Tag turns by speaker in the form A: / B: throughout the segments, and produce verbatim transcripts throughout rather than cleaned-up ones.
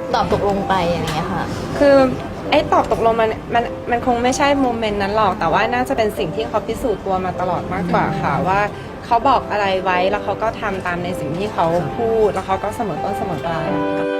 A: ตอบตกลงไปอย่างเงี้ยค่ะ
B: คือไอ้ตอบตกลงมันมันมันคงไม่ใช่โมเมนต์นั้นหรอกแต่ว่าน่าจะเป็นสิ่งที่เขาพิสูจน์ตัวมาตลอดมากกว่าค่ะว่าเขาบอกอะไรไว้แล้วเขาก็ทำตามในสิ่งที่เขาพูดแล้วเขาก็เสมอต้นเสมอปลาย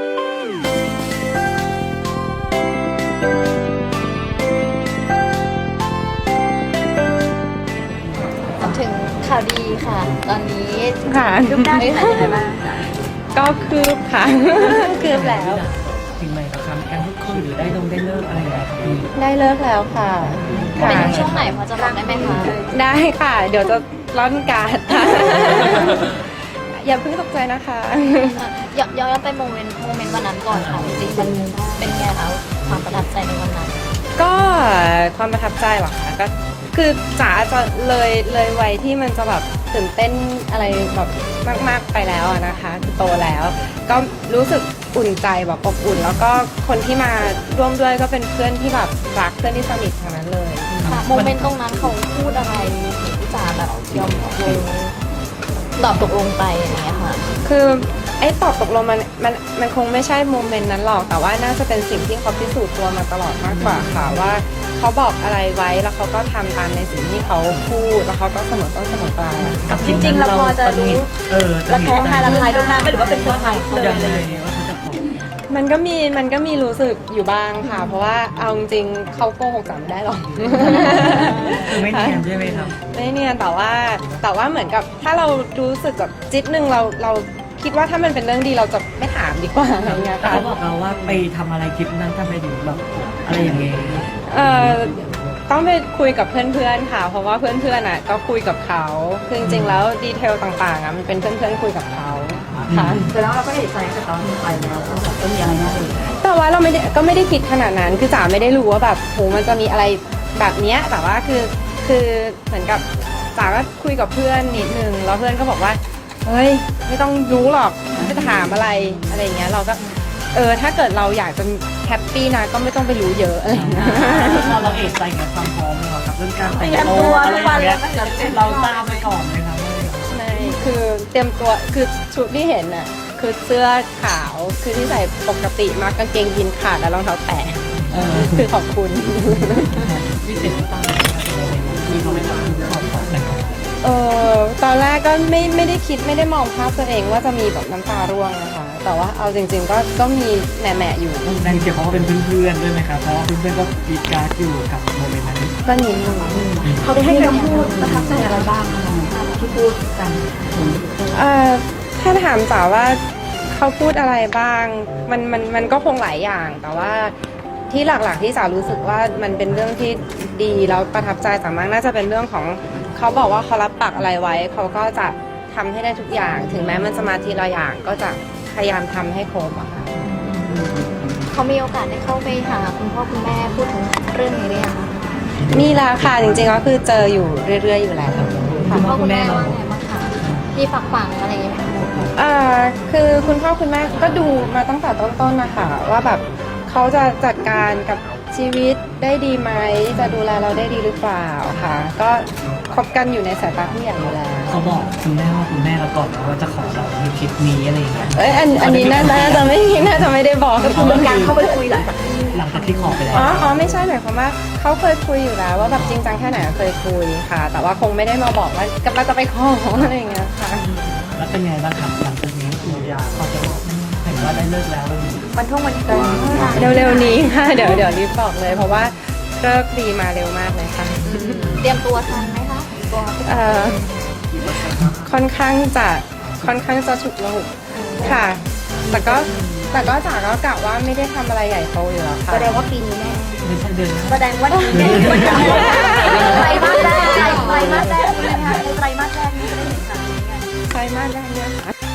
A: ถึงข่าวดีค่ะตอนนี้
B: ค่ะ
A: รูปหน้าเป็นยังไงบ้าง
B: ก็คืบค่ะ คืบแล้ว
C: ถึงไหมครับการพูดคุยหรือได้ลงได้เลิกอะไรอย่างเงี้ยพี่
B: ได้เลิกแล้วค่ะ
A: เป็นช่วงไหนพอจะบอกได้ไหมคะ
B: ได้ค่ะเดี๋ยวจะร่อนการ์ดค่ะ อย่าเพิ่งตกใจนะคะ
A: ย้อนย้อนไปโมเมนต์โมเมนต์วันนั้นก่อนค่ะจริงๆมันเป็นไงคะความประทับใจในวันนั้น
B: ก็ความประทับใจหรอคะก็คือจ๋าจะเลยเลยวัยที่มันจะแบบตื่นเต้นอะไรแบบมากๆไปแล้วนะคะคือโตแล้วก็รู้สึกอุ่นใจแบบอบอุ่นแล้วก็คนที่มาร่วมด้วยก็เป็นเพื่อนที่แบบรักเพื่อนที่สนิททั้งนั้นเลย
A: ค่ะโมเมนต์ตรงนั้นเขาพูดอะไรที่จ๋าแบบยอมตกลงตอบตกลงไปอย่างเงี้ยค่ะ
B: คือไอ้ตอบตกลงมันมันมันคงไม่ใช่โมเมนต์นั้นหรอกแต่ว่าน่าจะเป็นสิ่งที่เขาพิสูจน์ตัวมาตลอดมากกว่าค่ะว่าเขาบอกอะไรไว้แล้วเขาก็ทำตามในสิ่งที่เขาพูดแล้วเขาก็เสมอต้นเสมอปลาย
A: จริงๆเราพอจะรู้
C: เออ
A: ระแคะระคายระคายตรงนั้นไม่หรือว่าเป็นตัวใครเลยอะไรอย่างเงี้ย
B: มันก็มีมันก็มีรู้สึกอยู่บ้างค่ะเพราะว่าเอาจริงๆเขาโกหกจ๋าไม่ได้หรอก
C: คือไม่เนียนใช่ไหมครับ
B: ไม่เนียนแต่ว่าแต่ว่าเหมือนกับถ้าเรารู้สึกแบบจิตนึงเราเราคิดว่าถ้ามันเป็นเรื่องดีเราจะไม่ถามดีกว่าอะไรเงี้ยค่ะ
C: เขาบอกเราว่าไปทำอะไรคลิปนั้นทำไมถึงแบบอะไรอย่างเงี้ย
B: เอ่อต้องไปคุยกับเพื่อนๆค่ะเพราะว่าเพื่อนๆอ่ะก็คุยกับเขาคือจริงๆแล้วดีเทลต่างๆอ่ะมันเป็นเพื่อนๆคุยกับเขาค่ะ
A: แต่แล้วเราก็เอกใจแต่ตอนที่ไปแล้วก็มีอะไรน่าตื่น
B: แต่ว่าเราไม่ได้ก็ไม่ได้คิดขนาดนั้นคือจ๋าไม่ได้รู้ว่าแบบโหมันจะมีอะไรแบบเนี้ยแต่ว่าคือคือเหมือนกับจ๋าก็คุยกับเพื่อนนิดนึงแล้วเพื่อนก็บอกว่าเฮ้ยไม่ต้องรู้หรอกไม่ถามอะไรอะไรเงี้ยเราก็เออถ้าเกิดเราอยากจะแฮปปี้นะก็ไม่ต้องไปรู้เยอะอะไรเงี้ย
C: เราเอกใจกับความพร้อมเราครับเรื่องการแต่งตัวอะไรอย่างเงี้ยเราตามไปก่อนเลยครับ
B: ไม่คือเตรียมตัวคือชุดที่เห็นน่ะคือเสื้อขาวคือที่ใส่ปกติมากกางเกงยีนขาดแล้วรองเท้าแตะคือขอบคุณ
C: พิเศษตั้งมีเขาไม่ทำขอบคุณ
B: เออตอนแรกก็ไม่ไม่ได้คิดไม่ได้มองภาพตัวเองว่าจะมีแบบน้ำตาร่วงนะคะแต่ว่าเอาจริงๆก็ก็มีแหม่ๆอยู่
C: นั่นเกี่ยวกับว่าเป็นเพื่อนๆด้วยไหมครับเพราะว่าเพื่อนๆก็ปีการ์ดอยู่กับโมเมนต์นั้น
B: ก็นิดนึง
A: เขาได้ให้คำพูดประทับใจอะไรบ้างที่พูดกัน
B: เอ่อถ้าถามจ๋าว่าเขาพูดอะไรบ้างมันมันมันก็คงหลายอย่างแต่ว่าที่หลักๆที่จ๋ารู้สึกว่ามันเป็นเรื่องที่ดีแล้วประทับใจจ๋ามากน่าจะเป็นเรื่องของเขาบอกว่าเขารับปากอะไรไว้เขาก็จะทำให้ได้ทุกอย่างถึงแม้มันจะมาทีละอย่างก็จะพยายามทำให้ครบอะค่ะ
A: เขามีโอกาสได้เข้าไปหาคุณพ่อคุณแม่พูดถึงเรื่องนี้หรือยังคะ
B: มีแล้วค่ะจริงๆก็คือเจออยู่เรื่อยๆอยู่แล้ว
A: คุณพ่อคุณแม่ว่าไงบ้างคะมีฝักฝังอะไรอย่างเงี้ย
B: อ่าคือคุณพ่อคุณแม่ก็ดูมาตั้งแต่ต้นๆนะคะว่าแบบเขาจะจัดการกับชีวิตได้ดีไหมจะดูแลเราได้ดีหรือเปล่าค่ะก็คบกันอยู่ในสายตาผู้ใหญ่อยู่แล้ว
C: เขาบอกคุณแม่ว่าคุณแม่เราก่อนว่าจะขอเราในคลิปนี้อะไรอย่างเงี้ย
B: เอ้ยอันอันนี้น่าจะไม่น่าจะไม่ได้บอก
A: ก็คือการเข้าไปคุยหลังจาก
C: หลังจากที่ขอไปแล้ว
B: อ๋ออ๋อไม่ใช่หมายความว่าเขาเคยคุยอยู่แล้วว่าแบบจริงจังแค่ไหนเคยคุยค่ะแต่ว่าคงไม่ได้มาบอกว่ากำลังจะไปขออะไรอย่างเงี้ยค่ะ
C: แล้วเป็นไงบ้างครับหลังจากนี้คุณยาเขาจะบอกเห็นว่าได้เลิกแล้ว
A: วันท่องวันเกิ
B: ดเร็วๆนี้ค่ะเดี๋ยวเดี๋ยวรีบบอกเลยเพราะว่าเลิกดีมาเร็วมากเลยค่ะ
A: เตรียมตัวทันไหมคะตัว
B: เอ่อค่อนข้างจะค่อนข้างจะฉุกละหุกค่ะแต่ก็แต่ก็จ๋าก็กะว่าไม่ได้ทำอะไรใหญ่โตอยู่แล้วค่ะ
A: แสดงว่าปีนี้แน่
C: ไม่ใช่เดือน
A: แสดงว่าปีนี้แน่ไตรมาสแรกไตรมาสแรกใช่ไหมคะไตรมาสแรกนี้จะได้เห็นข่าวนี้ไง
B: ไตรมาสแรกเนี่ยค่ะ